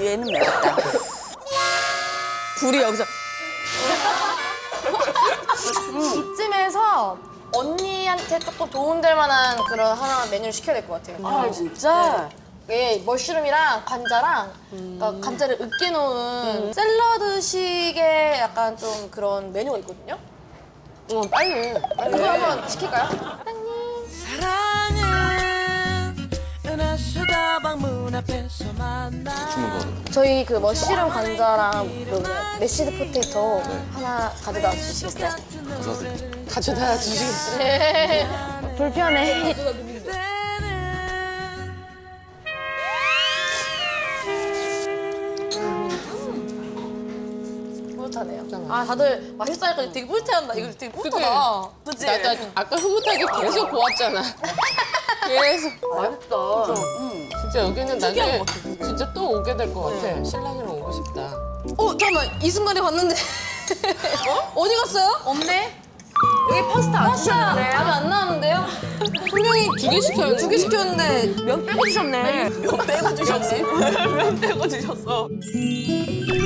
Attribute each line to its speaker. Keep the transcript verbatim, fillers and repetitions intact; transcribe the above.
Speaker 1: 얘는 매웠다.
Speaker 2: 불이 여기서.
Speaker 3: 이쯤에서 언니한테 조금 도움될 만한 그런 하나 메뉴를 시켜야 될 것 같아요.
Speaker 1: 아, 진짜?
Speaker 3: 예, 머쉬룸이랑 관자랑 그러니까 감자를 으깨놓은 샐러드식의 약간 좀 그런 메뉴가 있거든요.
Speaker 2: 어, 빨리. 빨리.
Speaker 3: 그거 한번 시킬까요?
Speaker 4: 사랑은 은하수다방 앞에서 만나.
Speaker 3: 저희 그 머쉬룸 관자랑 그 뭐냐, 메시드 포테이토 하나 가져다 주시겠어요?
Speaker 2: 가져다 주시겠어요?
Speaker 3: 네. 불편해. 뿌듯하네요. 아, 다들 맛있다니까 되게 뿌듯해한다. 이거 되게 뿌듯하다. 그치?
Speaker 2: 나, 나 아까 흐뭇하게 계속 보았잖아. 계속.
Speaker 1: 맛있다.
Speaker 2: 진짜 여기는 나중에 진짜 또 오게 될 것 같아. 신랑이랑 오고 싶다.
Speaker 3: 어, 잠깐만. 이 순간에 봤는데. 어? 어디 갔어요? 없네. 여기 파스타 안 주셨는데. 답이 안 나왔는데요? 분명히
Speaker 2: 두 개 시켰는데.
Speaker 3: 두 개 시켰는데
Speaker 1: 면 빼고 주셨네.
Speaker 3: 몇 빼고 주셨지?
Speaker 1: 면 빼고 주셨어.